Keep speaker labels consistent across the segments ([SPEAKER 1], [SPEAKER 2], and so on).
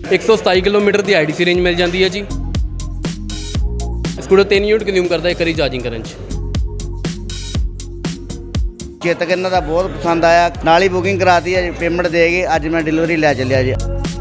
[SPEAKER 1] 127 kilometre ਦੀ IDC range ਮਿਲ ਜਾਂਦੀ ਹੈ ਜੀ। ਸਕੂਟਰ 3 ਯੂਨਿਟ ਕੰਜ਼ਿਊਮ ਕਰਦਾ ਇੱਕ ਵਾਰੀ ਚਾਰਜਿੰਗ ਕਰਨ 'ਚ।
[SPEAKER 2] ਚੇਤਕ ਇਹਨਾਂ ਦਾ ਬਹੁਤ ਪਸੰਦ ਆਇਆ, ਨਾਲ ਹੀ ਬੁਕਿੰਗ ਕਰਾਤੀ ਹੈ, ਪੇਮੈਂਟ ਦੇ ਕੇ ਅੱਜ ਮੈਂ ਡਿਲੀਵਰੀ ਲੈ ਚੱਲਿਆ ਜੀ।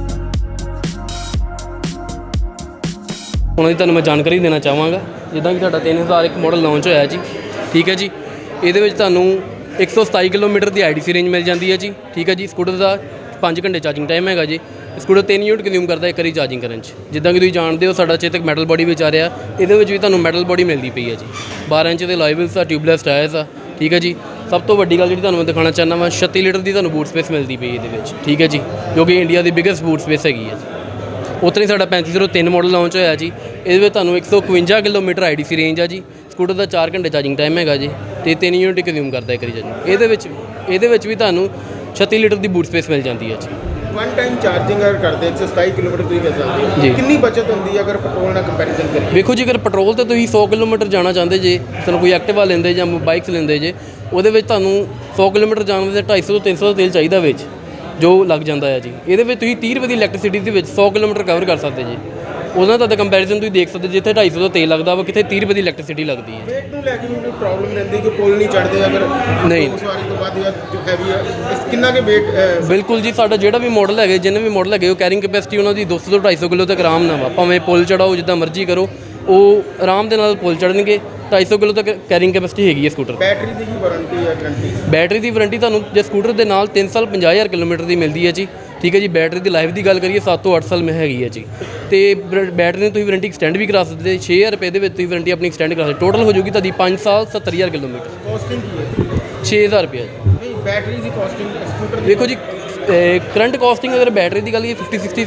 [SPEAKER 1] ਉਹਨਾਂ ਦੀ ਤੁਹਾਨੂੰ ਮੈਂ ਜਾਣਕਾਰੀ ਦੇਣਾ ਚਾਹਾਂਗਾ। ਜਿੱਦਾਂ ਕਿ ਸਾਡਾ 3001 ਮਾਡਲ ਲਾਂਚ ਹੋਇਆ ਜੀ, ਠੀਕ ਹੈ ਜੀ। ਇਹਦੇ ਵਿੱਚ ਤੁਹਾਨੂੰ 127 ਕਿਲੋਮੀਟਰ ਦੀ IDC ਰੇਂਜ ਮਿਲ ਜਾਂਦੀ ਹੈ ਜੀ, ਠੀਕ ਹੈ ਜੀ। ਸਕੂਟਰ ਦਾ 5 ਘੰਟੇ ਚਾਰਜਿੰਗ ਟਾਈਮ ਹੈਗਾ ਜੀ। ਸਕੂਟਰ 3 ਯੂਨਿਟ ਕੰਜ਼ਿਊਮ ਕਰਦਾ ਇੱਕ ਵਾਰੀ ਚਾਰਜਿੰਗ ਕਰਨ 'ਚ। ਜਿੱਦਾਂ ਕਿ ਤੁਸੀਂ ਜਾਣਦੇ ਹੋ ਸਾਡਾ ਚੇਤਕ ਮੈਟਲ ਬੋਡੀ ਵਿੱਚ ਆ ਰਿਹਾ, ਇਹਦੇ ਵਿੱਚ ਵੀ ਤੁਹਾਨੂੰ ਮੈਟਲ ਬੋਡੀ ਮਿਲਦੀ ਪਈ ਹੈ ਜੀ। 12 ਇੰਚ ਦੇ ਅਲੋਏ ਵੀਲਸ ਆ, ਟਿਊਬਲੈਸ ਟਾਇਰਸ ਆ, ਠੀਕ ਹੈ ਜੀ। ਸਭ ਤੋਂ ਵੱਡੀ ਗੱਲ ਜਿਹੜੀ ਤੁਹਾਨੂੰ ਮੈਂ ਦਿਖਾਉਣਾ ਚਾਹੁੰਦਾ ਵਾ, 36 ਲੀਟਰ ਦੀ ਤੁਹਾਨੂੰ ਬੂਟ ਸਪੇਸ ਮਿਲਦੀ ਪਈ ਇਹਦੇ ਵਿੱਚ, ਠੀਕ ਹੈ ਜੀ, ਜੋ ਕਿ ਇੰਡੀਆ ਦੀ ਬਿਗੇਸਟ ਬੂਟ ਸਪੇਸ ਹੈਗੀ ਹੈ ਜੀ। ਉੱਥੇ ਹੀ ਸਾਡਾ 3503 ਮਾਡਲ ਲਾਂਚ ਹੋਇਆ ਜੀ। ਇਹਦੇ ਵਿੱਚ ਤੁਹਾਨੂੰ 151 ਕਿਲੋਮੀਟਰ IDC ਰੇਂਜ ਆ ਜੀ। ਸਕੂਟਰ ਦਾ 4 ਘੰਟੇ ਚਾਰਜਿੰਗ ਟਾਈਮ ਹੈਗਾ ਜੀ, ਅਤੇ 3 ਯੂਨਿਟ ਕੰਜ਼ਿਊਮ ਕਰਦਾ ਇੱਕ ਵਾਰੀ ਚਾਰਜਿੰਗ। ਇਹਦੇ ਵਿੱਚ ਵੀ ਤੁਹਾਨੂੰ 36 ਲੀਟਰ ਦੀ ਬੂਟ ਸਪੇਸ ਮਿਲ ਜਾਂਦੀ ਹੈ ਜੀ।
[SPEAKER 3] ਵਨ ਟਾਈਮ ਚਾਰਜਿੰਗ ਅਗਰ ਕਰਦੇ 127 ਕਿਲੋਮੀਟਰ ਤੁਸੀਂ ਮਿਲ ਜਾਂਦੀ ਹੈ
[SPEAKER 1] ਜੀ।
[SPEAKER 3] ਕਿੰਨੀ ਬਚਤ ਹੁੰਦੀ ਹੈ ਅਗਰ ਪੈਟਰੋਲ ਨਾਲ ਕੰਪੈਰੀਜ਼ਨ ਕਰੀਏ?
[SPEAKER 1] ਵੇਖੋ ਜੀ, ਅਗਰ ਪੈਟਰੋਲ ਤੇ ਤੁਸੀਂ 100 ਕਿਲੋਮੀਟਰ ਜਾਣਾ ਚਾਹੁੰਦੇ ਜੇ, ਤੁਹਾਨੂੰ ਕੋਈ ਐਕਟਿਵਾ ਲੈਂਦੇ ਜਾਂ ਬਾਈਕਸ ਲੈਂਦੇ ਜੇ, ਉਹਦੇ ਵਿੱਚ ਤੁਹਾਨੂੰ 100 ਕਿਲੋਮੀਟਰ ਜਾਣ ਦੇ 250 ਤੋਂ 300 ਦਾ ਤੇਲ ਚਾਹੀਦਾ ਵਿੱਚ, ਜੋ ਲੱਗ ਜਾਂਦਾ ਹੈ ਜੀ। ਇਹਦੇ ਵਿੱਚ ਤੁਸੀਂ 30 ਰੁਪਏ ਦੀ ਇਲੈਕਟ੍ਰਿਸਿਟੀ ਦੇ ਵਿੱਚ 100 ਕਿਲੋਮੀਟਰ ਕਵਰ ਕਰ ਸਕਦੇ ਜੀ। ਉਹਨਾਂ ਦਾ ਕੰਪੈਰੀਜ਼ਨ ਤੁਸੀਂ ਦੇਖ ਸਕਦੇ, ਜਿੱਥੇ 250 ਦਾ ਤੇਲ ਲੱਗਦਾ ਵਾ, ਕਿਤੇ 30 ਰੁਪਏ ਦੀ ਇਲੈਕਟ੍ਰਿਸਿਟੀ ਲੱਗਦੀ ਹੈ।
[SPEAKER 3] ਵੇਟ ਨੂੰ ਲੈ ਕੇ ਵੀ ਪ੍ਰੋਬਲਮ ਰਹਿੰਦੀ ਕਿ ਪੁਲ ਨਹੀਂ ਚੜ੍ਹਦੇ ਅਗਰ
[SPEAKER 1] ਨਹੀਂ
[SPEAKER 3] ਸਵਾਰੀ ਤੋਂ ਬਾਅਦ ਜਾਂ ਜੋ ਹੈਵੀ ਹੈ ਕਿੰਨਾ ਕੇ ਵੇਟ?
[SPEAKER 1] ਬਿਲਕੁਲ ਜੀ, ਸਾਡਾ ਜਿਹੜਾ ਵੀ ਮਾਡਲ ਹੈਗੇ, ਜਿੰਨੇ ਵੀ ਮਾਡਲ ਹੈਗੇ, ਉਹ ਕੈਰਿੰਗ ਕੈਪੈਸਿਟੀ ਉਹਨਾਂ ਦੀ 200 ਤੋਂ 250 ਕਿਲੋ ਤੱਕ ਆਰਾਮ ਨਾਲ ਵਾ। ਭਾਵੇਂ ਪੁਲ ਚੜਾਓ, ਜਿੱਦਾਂ ਮਰਜ਼ੀ ਕਰੋ, ਉਹ ਆਰਾਮ ਦੇ ਨਾਲ ਪੁਲ ਚੜ੍ਹਨਗੇ। 250 ਕਿਲੋ ਤੱਕ ਕੈਰਿੰਗ ਕੈਪੈਸਿਟੀ ਹੈਗੀ ਹੈ ਸਕੂਟਰ।
[SPEAKER 3] ਬੈਟਰੀ ਦੀ ਕੀ ਵਾਰੰਟੀ ਹੈ, ਗਰੰਟੀ?
[SPEAKER 1] ਬੈਟਰੀ ਦੀ ਵਾਰੰਟੀ ਤੁਹਾਨੂੰ ਜੇ ਸਕੂਟਰ ਦੇ ਨਾਲ 3 ਸਾਲ 50,000 ਕਿਲੋਮੀਟਰ ਦੀ ਮਿਲਦੀ ਹੈ ਜੀ, ਠੀਕ ਹੈ ਜੀ। ਬੈਟਰੀ ਦੀ ਲਾਈਫ ਦੀ ਗੱਲ ਕਰੀਏ 7 ਤੋਂ 8 ਸਾਲ ਮੈਂ ਹੈਗੀ ਹੈ ਜੀ। ਅਤੇ ਬੈਟਰੀ ਨੂੰ ਤੁਸੀਂ ਵਾਰੰਟੀ ਐਕਸਟੈਂਡ ਵੀ ਕਰਾ ਸਕਦੇ। 6,000 ਰੁਪਏ ਦੇ ਵਿੱਚ ਤੁਸੀਂ ਵਾਰੰਟੀ ਆਪਣੀ ਐਕਸਟੈਂਡ ਕਰਾ ਸਕਦੇ। ਟੋਟਲ ਹੋ ਜਾਊਗੀ ਤੁਹਾਡੀ 5 ਸਾਲ 70,000 ਕਿਲੋਮੀਟਰ।
[SPEAKER 3] ਕਾਸਟਿੰਗ ਕੀ ਹੈ?
[SPEAKER 1] 6,000 ਰੁਪਏ ਜੀ।
[SPEAKER 3] ਨਹੀਂ, ਬੈਟਰੀ ਦੀ ਕਾਸਟਿੰਗ ਸਕੂਟਰ ਦੀ?
[SPEAKER 1] ਦੇਖੋ ਜੀ, ਕਰੰਟ ਕਾਸਟਿੰਗ ਅਗਰ ਬੈਟਰੀ ਦੀ ਗੱਲ ਕਰੀਏ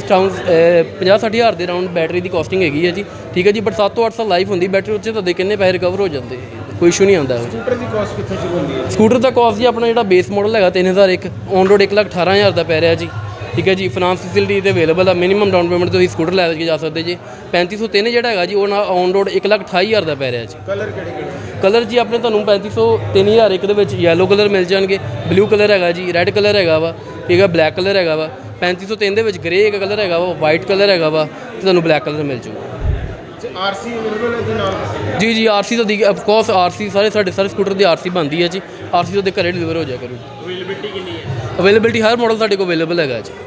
[SPEAKER 1] 50-60 ਹਜ਼ਾਰ ਦੇ ਰਾਊਂਡ ਬੈਟਰੀ ਦੀ ਕਾਸਟਿੰਗ ਹੈਗੀ ਹੈ ਜੀ, ਠੀਕ ਹੈ ਜੀ। ਬਟ 7 ਤੋਂ 8 ਸਾਲ ਲਾਈਫ ਹੁੰਦੀ ਬੈਟਰੀ, ਉੱਚ ਤੁਹਾਡੇ ਕਿੰਨੇ ਪੈਸੇ ਰਿਕਵਰ ਹੋ ਜਾਂਦੇ, ਕੋਈ ਇਸ਼ੂ ਨਹੀਂ ਆਉਂਦਾ।
[SPEAKER 3] ਸਕੂਟਰ ਦੀ ਕਾਸਟ ਕਿੱਥੋਂ ਸ਼ੁਰੂ ਹੁੰਦੀ ਹੈ?
[SPEAKER 1] ਸਕੂਟਰ ਦਾ ਕਾਸਟ ਜੀ ਆਪਣਾ ਜਿਹੜਾ ਬੇਸ ਮਾਡਲ ਹੈਗਾ 3001 ਔਨ ਰੋਡ 1,18,000 ਦਾ ਪੈ ਰਿਹਾ ਜੀ, ਠੀਕ ਹੈ ਜੀ। ਫਾਈਨਾਂਸ ਫੈਸਿਲਿਟੀ ਤੇ ਅਵੇਲੇਬਲ ਆ। ਮਿਨੀਮਮ ਡਾਊਨ ਪੇਮੈਂਟ ਤੁਸੀਂ ਸਕੂਟਰ ਲੈ ਕੇ ਜਾ ਸਕਦੇ ਜੀ। 3503 ਜਿਹੜਾ ਹੈਗਾ ਜੀ, ਉਹ ਔਨ ਰੋਡ 1,28,000 ਦਾ ਪੈ ਰਿਹਾ ਜੀ।
[SPEAKER 3] ਕਲਰ ਕਿਹੜੇ?
[SPEAKER 1] ਕਲਰ ਜੀ ਆਪਣੇ ਤੁਹਾਨੂੰ 3503,001 ਦੇ ਵਿੱਚ ਯੈਲੋ ਕਲਰ ਮਿਲ ਜਾਣਗੇ, ਬਲੂ ਕਲਰ ਹੈਗਾ ਜੀ, ਰੈੱਡ ਕਲਰ ਹੈਗਾ ਵਾ, ਠੀਕ ਹੈ, ਬਲੈਕ ਕਲਰ ਹੈਗਾ ਵਾ। 3503 ਦੇ ਵਿੱਚ ਗ੍ਰੇ ਇੱਕ ਕਲਰ ਹੈਗਾ ਵਾ, ਵਾਈਟ ਕਲਰ ਹੈਗਾ ਵਾ, ਅਤੇ ਤੁਹਾਨੂੰ ਬਲੈਕ ਕਲਰ ਮਿਲ ਜੂਗਾ।
[SPEAKER 3] RC ਅਵੇਲੇਬਲ ਹੈ ਜੀ ਨਾਲ?
[SPEAKER 1] ਜੀ RC ਤਾਂ ਦੀ ਅਫਕੋਰਸ RC ਸਾਡੇ ਸਕੂਟਰ ਦੀ RC ਬਣਦੀ ਹੈ ਜੀ। RC ਤੁਹਾਡੇ ਘਰੇ ਡਿਲੀਵਰ ਹੋ ਜਾਇਆ ਕਰੂ।
[SPEAKER 3] ਅਵੇਲੇਬਿਲਿਟੀ ਕਿੰਨੀ ਹੈ?
[SPEAKER 1] ਅਵੇਲੇਬਿਲਿਟੀ ਹਰ ਮਾਡਲ ਸਾਡੇ ਕੋਲ ਅਵੇਲੇਬਲ ਹੈਗਾ ਜੀ।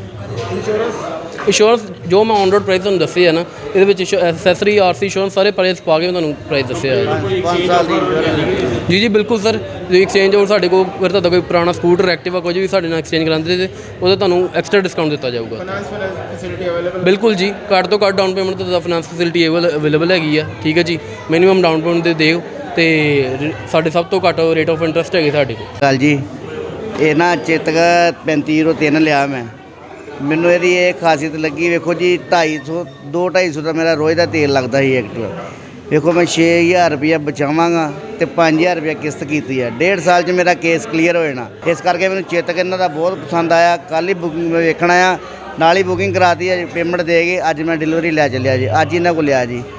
[SPEAKER 1] ਇੰਸ਼ੋਰੈਂਸ ਜੋ ਮੈਂ ਔਨ ਰੋਡ ਪ੍ਰਾਈਸ ਤੁਹਾਨੂੰ ਦੱਸੇ ਆ ਨਾ, ਇਹਦੇ ਵਿੱਚ ਐਸੈਸਰੀ RC ਇੰਸ਼ੋਰੈਂਸ ਸਾਰੇ ਪ੍ਰਾਈਸ ਪਾ ਕੇ ਮੈਂ ਤੁਹਾਨੂੰ ਪ੍ਰਾਈਸ ਦੱਸਿਆ ਹੈ
[SPEAKER 2] 5 ਸਾਲ ਦੀ
[SPEAKER 1] ਜੀ। ਬਿਲਕੁਲ ਸਰ, ਜੇ ਐਕਸਚੇਂਜ ਹੋਰ ਸਾਡੇ ਕੋਲ ਫਿਰ ਤੁਹਾਡਾ ਕੋਈ ਪੁਰਾਣਾ ਸਕੂਟਰ ਐਕਟਿਵਾ ਕੁਝ ਵੀ ਸਾਡੇ ਨਾਲ ਐਕਸਚੇਂਜ ਕਰਾਉਂਦੇ ਤੇ ਉਹਦਾ ਤੁਹਾਨੂੰ ਐਕਸਟਰਾ ਡਿਸਕਾਊਂਟ ਦਿੱਤਾ ਜਾਊਗਾ।
[SPEAKER 3] Finance facility available?
[SPEAKER 1] ਬਿਲਕੁਲ ਜੀ, ਘੱਟ ਤੋਂ ਘੱਟ ਡਾਊਨ ਪੇਮੈਂਟ ਤੇ ਫਾਈਨਾਂਸ ਫੈਸਿਲਿਟੀ ਅਵੇਲੇਬਲ ਹੈਗੀ ਆ, ਠੀਕ ਹੈ ਜੀ। ਮਿਨੀਮਮ ਡਾਊਨ ਪੇਮੈਂਟ ਦੇ ਦਿਓ, ਅਤੇ ਸਾਡੇ ਸਭ ਤੋਂ ਘੱਟ ਰੇਟ ਆਫ ਇੰਟਰਸਟ ਹੈਗੇ ਸਾਡੇ ਕੋਲ।
[SPEAKER 2] ਗੱਲ ਜੀ, ਇਹ ਨਾ ਚੇਤਕ 3503 ਲਿਆ ਮੈਂ। ਮੈਨੂੰ ਇਹਦੀ ਇਹ ਖਾਸੀਅਤ ਲੱਗੀ, ਵੇਖੋ ਜੀ 250 ਦਾ ਮੇਰਾ ਰੋਜ਼ ਦਾ ਤੇਲ ਲੱਗਦਾ ਸੀ ਐਕਟਿਵਾ। ਵੇਖੋ ਮੈਂ 6,000 ਰੁਪਇਆ ਬਚਾਵਾਂਗਾ ਅਤੇ 5,000 ਰੁਪਇਆ ਕਿਸ਼ਤ ਕੀਤੀ ਹੈ। 1.5 ਸਾਲ 'ਚ ਮੇਰਾ ਕੇਸ ਕਲੀਅਰ ਹੋ ਜਾਣਾ। ਇਸ ਕਰਕੇ ਮੈਨੂੰ ਚੇਤਕ ਇਹਨਾਂ ਦਾ ਬਹੁਤ ਪਸੰਦ ਆਇਆ। ਕੱਲ੍ਹ ਹੀ ਬੁਕਿੰਗ ਮੈਂ ਵੇਖਣਾ ਆ, ਨਾਲ ਹੀ ਬੁਕਿੰਗ ਕਰਾਤੀ ਹੈ, ਪੇਮੈਂਟ ਦੇ ਕੇ ਅੱਜ ਮੈਂ ਡਿਲੀਵਰੀ ਲੈ ਚੱਲਿਆ ਜੀ। ਅੱਜ ਇਹਨਾਂ ਕੋਲ ਲਿਆ ਜੀ।